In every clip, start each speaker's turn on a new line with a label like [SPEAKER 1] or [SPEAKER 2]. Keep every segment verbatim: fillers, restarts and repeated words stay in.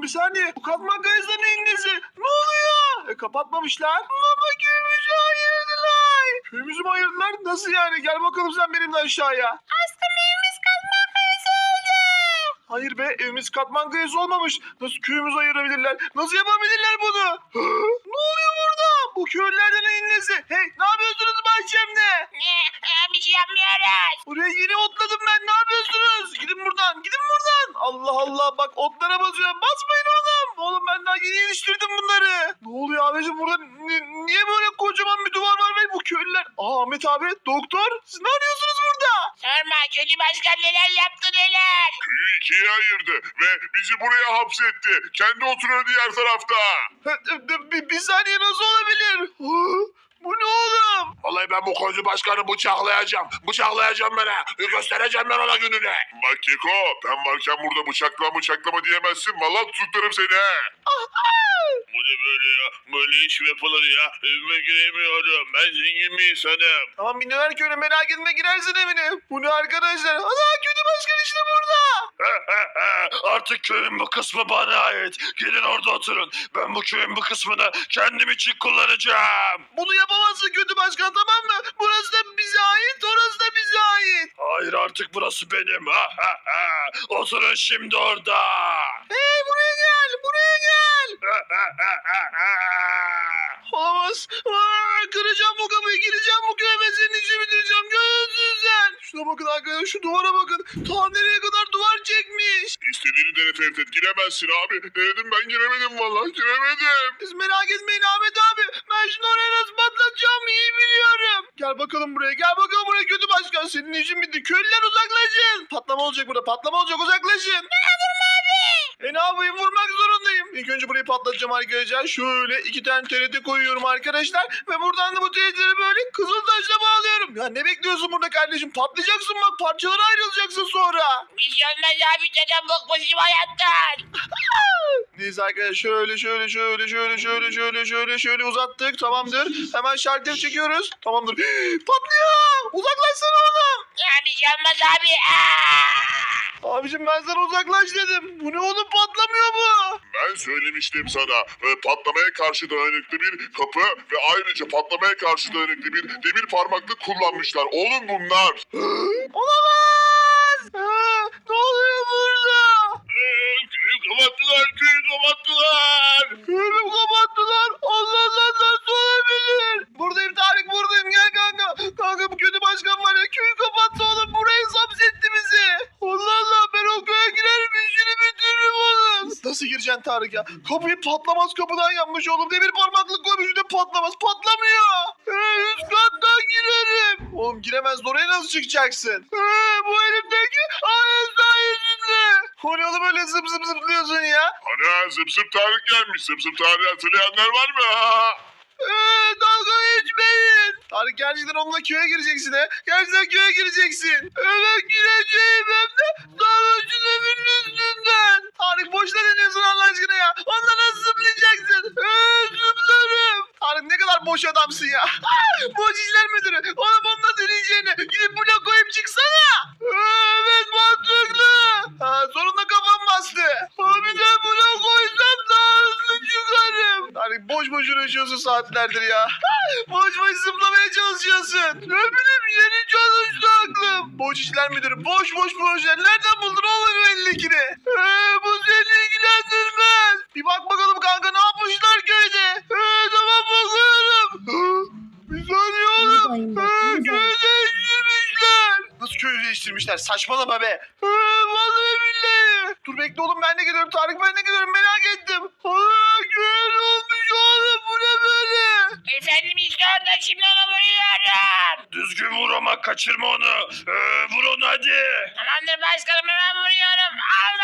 [SPEAKER 1] bir saniye. Bu katman kayasının neyin nesi? Ne oluyor? E, kapatmamışlar. Baba köyümüzü ayırdılar. Köyümüzü mü ayırdılar? Nasıl yani? Gel bakalım sen benimle aşağıya.
[SPEAKER 2] Aslında evimiz katman kayası oldu.
[SPEAKER 1] Hayır be, evimiz katman kayası olmamış. Nasıl köyümüzü ayırabilirler? Nasıl yapabilirler bunu? Ne oluyor burada? Bu köylülerden neyin nesi? Hey, ne yapıyorsunuz bahçemde?
[SPEAKER 2] Ne? Ee, bir şey yapmıyoruz.
[SPEAKER 1] Buraya yeni otladım ben. Ne yapıyorsunuz? Gidin buradan. Gidin buradan. Allah Allah, bak otlara basıyorum. Basmayın oğlum. Oğlum ben daha yeni yetiştirdim bunları. Ne oluyor abicim burada? Ni- niye böyle kocaman bir duvar var ve bu köylüler? Aa, Ahmet abi, doktor. Siz ne arıyorsunuz burada?
[SPEAKER 2] Sorma, kötü başkan neler yaptı neler.
[SPEAKER 3] Köyü ikiye ayırdı ve bizi buraya hapsetti. Kendi oturuyor diğer tarafta.
[SPEAKER 1] Bir, bir saniye, nasıl olabilir? Hı? Bu ne oğlum?
[SPEAKER 3] Vallahi ben bu koydu başkanı bıçaklayacağım. Bıçaklayacağım bana. Göstereceğim ben ona gününü. Bak Keko, ben varken burada bıçaklama bıçaklama diyemezsin. Vallahi tutuklarım seni. Bu ne böyle ya? Böyle iş mi yapılır ya? Evime giremiyorum. Ben zengin bir insanım.
[SPEAKER 1] Tamam, milyoner köylü, merak etme, girersin evine. Bu ne arkadaşlar? Ana, kötü başkan işte burada.
[SPEAKER 3] Artık köyün bu kısmı bana ait. Gelin orada oturun. Ben bu köyün bu kısmını kendim için kullanacağım.
[SPEAKER 1] Bunu yapamazsın kötü başkan, tamam mı? Burası da bize ait, orası da bize ait.
[SPEAKER 3] Hayır, artık burası benim. Oturun şimdi orada.
[SPEAKER 1] Hey, buraya gel, buraya gel. Olamaz. Aa, kıracağım bu kapıyı, gireceğim bu köye ve senin işini bitireceğim. Görüyorsun sen. Şuna bakın arkadaşlar, şu duvara bakın. Ta nereye kadar duvar çekmiş.
[SPEAKER 3] İstediğini dene Tevfik, giremezsin abi. Denedim, ben giremedim vallahi, giremedim.
[SPEAKER 1] Siz merak etmeyin Ahmet abi. Ben şunu oraya nasıl patlatacağımı iyi biliyorum. Gel bakalım buraya, gel bakalım buraya kötü başkan. Senin işin bitti. Köylüler uzaklaşın. Patlama olacak burada, patlama olacak, uzaklaşın. E ne yapayım, vurmak zorundayım. İlk önce burayı patlatacağım arkadaşlar. Şöyle iki tane T R T koyuyorum arkadaşlar. Ve buradan da bu T R T'leri böyle kızıl taşla bağlıyorum. Ya ne bekliyorsun burada kardeşim? Patlayacaksın bak, parçalara ayrılacaksın sonra.
[SPEAKER 2] Bir şey olmaz abi, dedem bıkmışım hayattan.
[SPEAKER 1] Neyse arkadaşlar, şöyle şöyle şöyle şöyle şöyle şöyle şöyle şöyle uzattık, tamamdır. Hemen şalter çekiyoruz. Tamamdır. Patlıyor. Uzaklaşsana oğlum.
[SPEAKER 2] Ya bir şey olmaz abi. Aa!
[SPEAKER 1] Abicim ben sana uzaklaş dedim. Bu ne oğlum, patlamıyor bu.
[SPEAKER 3] Ben söylemiştim sana. e, Patlamaya karşı dayanıklı bir kapı ve ayrıca patlamaya karşı dayanıklı bir demir parmaklık kullanmışlar. Oğlum bunlar.
[SPEAKER 1] Olamaz. Ha, ne oluyor burada?
[SPEAKER 3] Köyü kapattılar, köyü kapattılar.
[SPEAKER 1] Köyümü kapattılar. Allah Allah, nasıl olabilir? Buradayım Tarık, buradayım, gel kanka. Kanka, bu kötü başkan var ya, köyü kapattı oğlum. Burayı hapsetti bizi. Allah Allah, ben o köye girerim, işini bitiririm oğlum. Nasıl gireceksin Tarık ya? Kapıyı patlamaz kapıdan yapmış oğlum. Demir parmaklık koymuş, bir de patlamaz. Patlamıyor. Ee, üst kattan girerim. Oğlum giremez, oraya nasıl çıkacaksın? Ee, bu elimdeki ayet sayesinde. O ne oğlum, öyle zıp zıp zıplıyorsun ya?
[SPEAKER 3] Ana, zıp zıp Tarık gelmiş. Zıp zıp Tarık'ı hatırlayanlar var mı? Ha?
[SPEAKER 1] Ee, dalga geçmeyin. Tarık, gerçekten onunla köye gireceksin he. Gerçekten köye gireceksin. Evet, gireceğim hem de sarhoşun evinin üstünden. Tarık, boşuna deniyorsun Allah aşkına ya. Onunla nasıl zıplayacaksın? Ee, zıplarım. Tarık, ne kadar boş adamsın ya. Boş işler müdürü. Oğlum, onunla deneyeceğine gidip blok koyup çıksana. Ee, evet, mantıklı. Ha, sonunda kafam bastı. Abi de blok koysam daha hızlı çıkarım. Tarık, boş boş uğraşıyorsun saatlerdir ya. Boş boş zıplamaya çalışıyorsun. Ne bileyim, yeni çalıştı aklım. Boş işler müdürü, boş boş projeler. Nereden buldun oğlum elindekini? Ee, bu seni ilgilendirmez. Bir bak bakalım kanka, ne yapmışlar köyde? Ee, tamam, bakıyorum. Bir saniye oğlum. Ee, köyü değiştirmişler. Nasıl köyü değiştirmişler? Saçmalama be. Ee, vallahi billahi. Dur bekle oğlum, ben de gidiyorum. Tarık, ben de gidiyorum, merak ettim. Aa, köy ne olmuş oğlum, bu ne böyle?
[SPEAKER 2] Efendim işte orada, şimdi onu vuruyorum.
[SPEAKER 3] Düzgün vur ama kaçırma onu. Ee, vur onu hadi.
[SPEAKER 2] Tamamdır başkanım, hemen vuruyorum. Al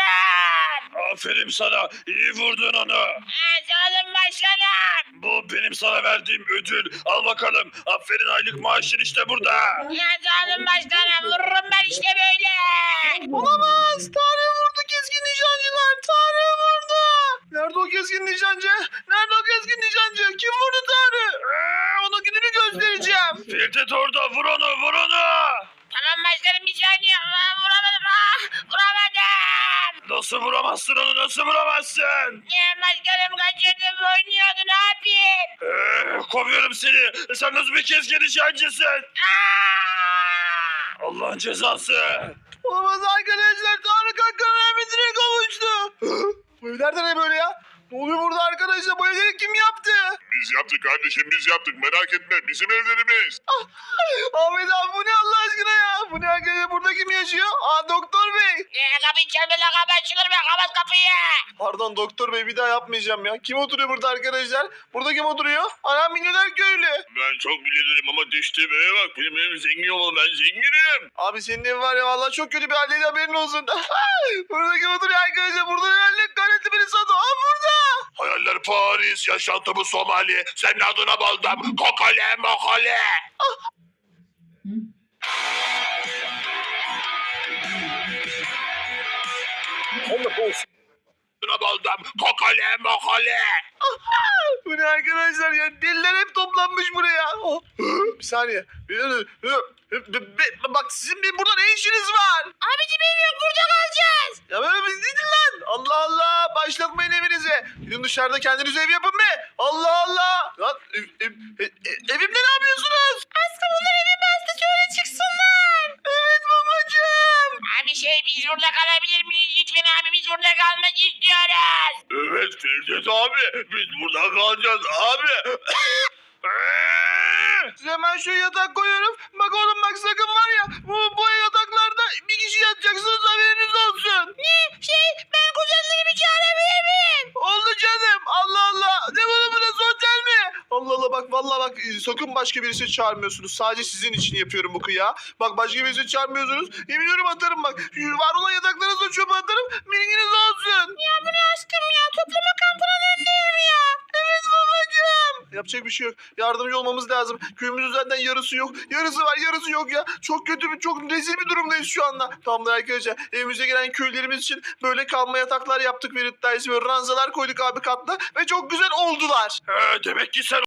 [SPEAKER 2] bakalım.
[SPEAKER 3] Aferin sana. İyi vurdun onu.
[SPEAKER 2] Ha, sağ olun başkanım.
[SPEAKER 3] Bu benim sana verdiğim ödül. Al bakalım. Aferin, aylık maaşın işte burada.
[SPEAKER 2] Ya sağ olun başkanım, vururum ben işte böyle.
[SPEAKER 1] Olamaz. Tarık vurdu keskin nişancılar. Tarık vurdu. Nerede o keskin nişancı? Nerede o keskin nişancı? Kim vurdu Tarık? Ee, ona gününü göstereceğim.
[SPEAKER 3] Firdet orada, vur onu, vur onu.
[SPEAKER 2] Tamam başkanım, bir saniye. Aa, vuramadım. Aa, vuramadım.
[SPEAKER 3] Nasıl vuramaz? bulamazsın onu, nasıl bulamazsın?
[SPEAKER 2] Ya başkanım kaçırdım oynuyordu ne yapayım?
[SPEAKER 3] Ee, kovuyorum seni. Sen nasıl bir keskin nişancısın?
[SPEAKER 2] Aa!
[SPEAKER 3] Allah'ın cezası.
[SPEAKER 1] Olamaz arkadaşlar. Tarık Akkan rahmetine kavuştu. Bu evlerde ne böyle ya? Ne oluyor burada arkadaşlar? Bu evleri kim yaptı?
[SPEAKER 3] Biz yaptık kardeşim, biz yaptık, merak etme, bizim evlerimiz.
[SPEAKER 1] Ahmet abi bu ne Allah aşkına ya? Bu ne arkadaşlar? Burada kim yaşıyor? Aa doktor bey.
[SPEAKER 2] Ya kapıyı çalma la kapı açılır be kapat kapıyı.
[SPEAKER 1] Pardon doktor bey bir daha yapmayacağım ya. Kim oturuyor burada arkadaşlar? Burada kim oturuyor? Anam milyoner köylü.
[SPEAKER 3] Ben çok bilirim ama düştüğüm eve bak, benim evim zengin olmalı, ben zenginim.
[SPEAKER 1] Abi senin evin var ya vallahi çok kötü bir haldeydi haberin olsun. Burada kim oturuyor arkadaşlar? Burada herhalde galetli biri sadı. Aa burada.
[SPEAKER 3] Hayaller Paris, yaşantımı Somali, senin adına baldım, kokale mokale. Adına baldım, kokale mokale.
[SPEAKER 1] Bu ne arkadaşlar ya? Deliler hep toplanmış buraya. Oh. Bir saniye. Bak sizin bir burada ne işiniz var?
[SPEAKER 2] Abicim ev yok burada kalacağız.
[SPEAKER 1] Ya böyle biz gidin lan. Allah Allah. Başlatmayın evinize. Gidin dışarıda kendiniz ev yapın be. Allah Allah. Lan ev, ev, ev, ev- evimde ne yapıyorsunuz?
[SPEAKER 2] Aslında bunlar evi bastı şöyle çıksınlar.
[SPEAKER 1] Evet babacığım.
[SPEAKER 2] Abi şey biz burada kalabilir miyiz lütfen abi biz burada kalmak istiyoruz.
[SPEAKER 3] Evet Ferdet abi, biz burada kalacağız abi.
[SPEAKER 1] Size hemen şu yatak koyuyorum. Bak oğlum bak sakın var ya. Bu, bu yataklarda bir kişi yatacaksınız haberiniz olsun.
[SPEAKER 2] Ne şey ben kuzenlerimi çağırabilir miyim?
[SPEAKER 1] Oldu canım. Allah Allah. Ne bunu burası otel mi? Allah Allah bak vallahi bak e, sakın başka birisi çağırmıyorsunuz. Sadece sizin için yapıyorum bu kıya. Bak başka birisi çağırmıyorsunuz. Yemin ediyorum atarım bak. Şu var olan yataklarınızı çöpe atarım. Bilginiz olsun.
[SPEAKER 2] Ya bu ne aşkım ya toplama kampına döndüm ya.
[SPEAKER 1] Evet babacığım. Yapacak bir şey yok. Yardımcı olmamız lazım. Köyümüzün zaten yarısı yok. Yarısı var yarısı yok ya. Çok kötü bir çok rezil bir durumdayız şu anda. Tamamdır arkadaşlar. Evimize gelen köylerimiz için böyle kalma yataklar yaptık. Ve böyle ranzalar koyduk abi katla. Ve çok güzel oldular.
[SPEAKER 3] He, demek ki sen